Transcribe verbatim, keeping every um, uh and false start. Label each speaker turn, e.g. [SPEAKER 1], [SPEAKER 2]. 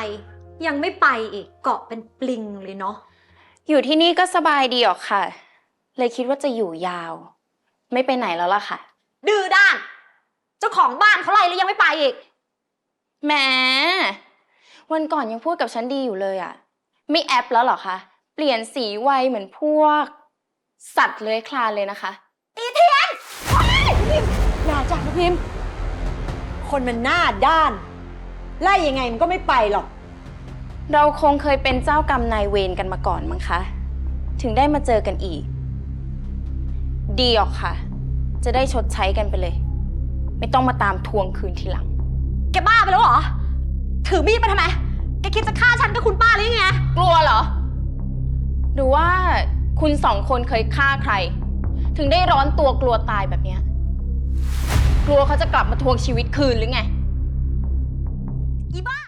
[SPEAKER 1] ยังไม่ไปอีกเกาะเป็นปลิงเลยเนาะ
[SPEAKER 2] อยู่ที่นี่ก็สบายดีหรอกค่ะเลยคิดว่าจะอยู่ยาวไม่ไปไหนแล้วล่ะค่ะ
[SPEAKER 1] ดื้อด้านเจ้าของบ้านเขาไล่แล้วยังไม่ไปอีก
[SPEAKER 2] แหมวันก่อนยังพูดกับฉันดีอยู่เลยอะไม่แอปแล้วเหรอคะเปลี่ยนสีไวเหมือนพวกสัตว์เลื้อยคลานเลยนะคะ
[SPEAKER 1] อีเทียนอย่าจับพิมพ์คนมันหน้าด้านไล่ยังไงมันก็ไม่ไปหรอก
[SPEAKER 2] เราคงเคยเป็นเจ้ากรรมนายเวรกันมาก่อนมั้งคะถึงได้มาเจอกันอีกดีออกค่ะจะได้ชดใช้กันไปเลยไม่ต้องมาตามทวงคืนทีหลัง
[SPEAKER 1] แกบ้าไปแล้วเหรอถือมีดมาทำไมแกคิดจะฆ่าฉันกับคุณป้าหรือไง
[SPEAKER 2] กลัวเหรอหรือว่าคุณสองคนเคยฆ่าใครถึงได้ร้อนตัวกลัวตายแบบเนี้ยกลัวเขาจะกลับมาทวงชีวิตคืนหรือไง
[SPEAKER 1] อีบ้า